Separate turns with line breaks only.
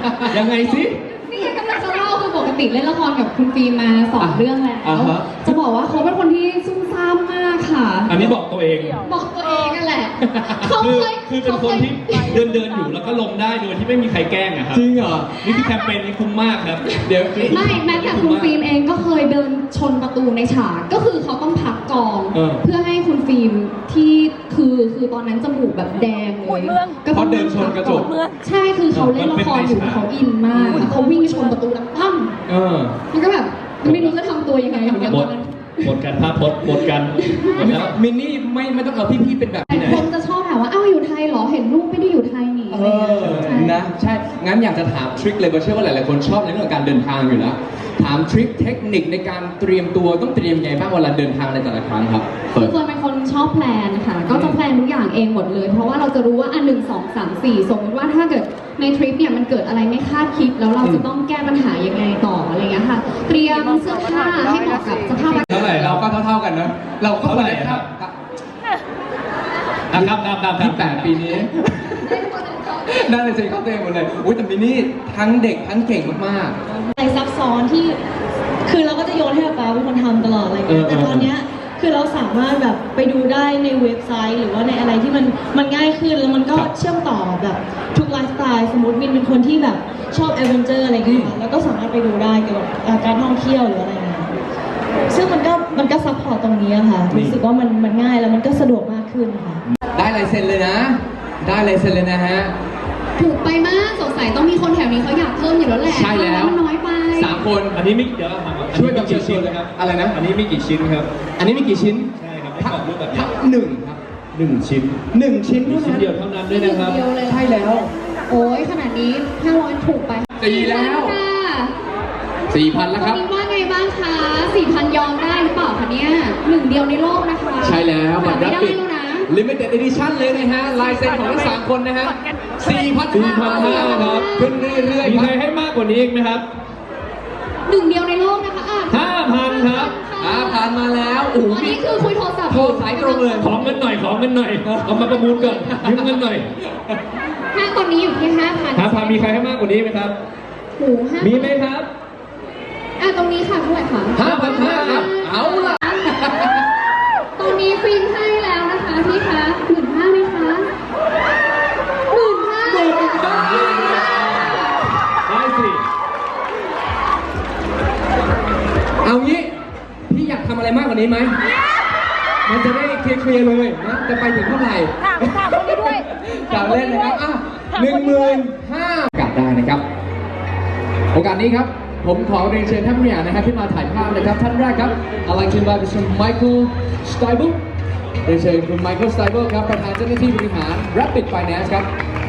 ยังไงสิ
นี่กำลังจะเล่าคือปกติเล่นละครกับคุณฟิล์มมา2 เรื่องแล้วจะบอกว่าเขาเป็นคนที่ซุ่มซ่ามมากค่ะ
อันนี้บอกตัวเอง
บอกตัวเองนั่นแหละเขาเคย
คือเป็นคนที่เดินอยู่แล้วก็ลงได้โดยที่ไม่มีใครแกล้งอะครับ
จริงเหรอ
นี่คือแคมเปญนี้คุ้มมากครับ
เดี๋ยว
ไม่แม้แต่คุณฟิล์มเองก็เคยเดินชนประตูในฉากก็คือเขาต้องพักกองเพื่อให้คุณฟิล์มที่คือตอนนั้นจมูกแบบแดงเลย
ก็เพราะเดินชนกระจก
ใช่คือเขาเล่นละครอยู่เขาอินมากเขาวิ่งชนประตูดังปั้มมันก็แบบไม่รู้จะทำตัวยังไงเหมือนกันตอนนั้น
หมดกันภาพพจน์หมดกันแล้ว
มินนี่ไม่ต้องเอาพี่ๆเป็นแบบนี้นะ
คนจะชอบถามว่าอ้าวอยู่ไทยเหรอเห็นรูปไม่ได้อยู่ไทยนี่
นะใช่งั้นอยากจะถามทริคเลยเพราะเชื่อว่าหลายๆคนชอบในเรื่องของการเดินทางอยู่แล้วถามทริคเทคนิคในการเตรียมตัวต้องเตรียมยังไงบ้างเวลาเดินทางในแต่ละครั้งครับ
เฟิร์นเป็นคนชอบแพลนค่ะก็จะแพลนทุกอย่างเองหมดเลยเพราะว่าเราจะรู้ว่า1 2 3 4สมมติว่าถ้าเกิดในทริปเนี่ยมันเกิดอะไรไม่คาดคิดแล้วเราจะต้องแก้ปัญหายังไงต่ออะไรเงี้ยค่ะเตรียมเสื้อผ้าให้เหมาะกับสภาพอากาศ
เท่าไหร่เราก็เท่ากันนะเราก็
เท่าไหร่ครับ
ที่8 ปีนี้น่าจะเซ็นเข้าเต็มหมดเลยอุ้ยแต่มินนี่ทั้งเด็กทั้งเก่งมาก
ๆอะไรซับซ้อนที่คือเราก็จะโยนให้ป๊าเป็นคนทำตลอดอะไรเงี้ยแต่ตอนเนี้ยคือเราสามารถแบบไปดูได้ในเว็บไซต์หรือว่าในอะไรที่มันง่ายขึ้นแล้วมันก็เชื่อมต่อแบบทุกไลฟ์สไตล์สมมติมินเป็นคนที่แบบชอบแอดเวนเจอร์อะไรเงี้ยแล้วก็สามารถไปดูได้เกี่ยวกับการท่องเที่ยวหรืออะไรเงี้ยซึ่งมันก็ซัพพอร์ตตรงนี้ค่ะรู้สึกว่ามันง่ายแล้วมันก็สะดวกมากขึ้นค่ะ
ได้ลายเซ็นเลยนะได้ลายเซ็นเลยนะฮะ
ถูกไปมากสงสัยต้องมีคนแถวนี้เขาอยากเพิ่มอยู่แล้วแหละ
ใช่แล้ว
มันน้อยไป
3 คน
อันนี้มีเดี๋ยวเราถาม
ช่วยกับกี่ชิ้นครับอะไรนะ
อันนี้มีกี่ชิ้นครับ
อันนี้มีกี่ชิ้น
ใช่ครับให้กรอบรูปแบบนี้
1ครับ
1 ชิ้น
1 ชิ้น
ชิ้นเดียวเท่านั้นด้วยนะครับ
ใช่แล้ว
โอ้ยขนาดนี้500ถูกไป
4แล้ว4,000แล้วครับ
ตอนนี้ว่าไงบ้างคะ 4,000 ยอมได้หรือเปล่าคะเนี่ย1 เดียวในโลกนะคะ
ใช่แล้ว
บัตรไม่ได้แล้วนะ
Limited Edition เลยนะฮะลายเซ็นของทั้ง3 คนนะฮะ
4,500 ครับ
ขึ้นเรื่อยๆ
มีใครให้มากกว่านี้อีกไหมครับ
1 เดียวในโลกนะคะ
5,000 ครับ
ผ่านมาแล้วโอ้โห
นี่คือคุยโทรศัพท์
โทรสายตรงเลย
ของเงินหน่อยเอามาประมูลก่อนยืมเงินหน่อย
ถ้าตอนนี้อยู่ที่ 5,000
มีใครให้มากกว่านี้ไหมครับมีไหมครับ
ตรงนี้ค่ะเท่าไหร่คะ
5,500 ครับเอาล่ะ
ตอนนี้ฟิล์มให้แล้วนะคะพี่คะ15,000ไหมคะ15,000
ได้สิ
เอางี้พี่อยากทำอะไรมากกว่านี้ไหมมันจะได้เคลียร์เลยนะจะไปถึงเท่าไหร่
ถามคนนี้ด้วย
กล่าวเล่นนะครับ15,000กลับได้นะครับโอกาสนี้ครับผมขอเรียนเชิญท่านผู้ใหญ่นะครับที่มาถ่ายภาพนะครับท่านแรกครับ I'd like to invite Mr. Michael Steibel เรียนเชิญคุณ Michael Steibel ครับประธานเจ้าหน้าที่บริหาร Rapid Finance ครับ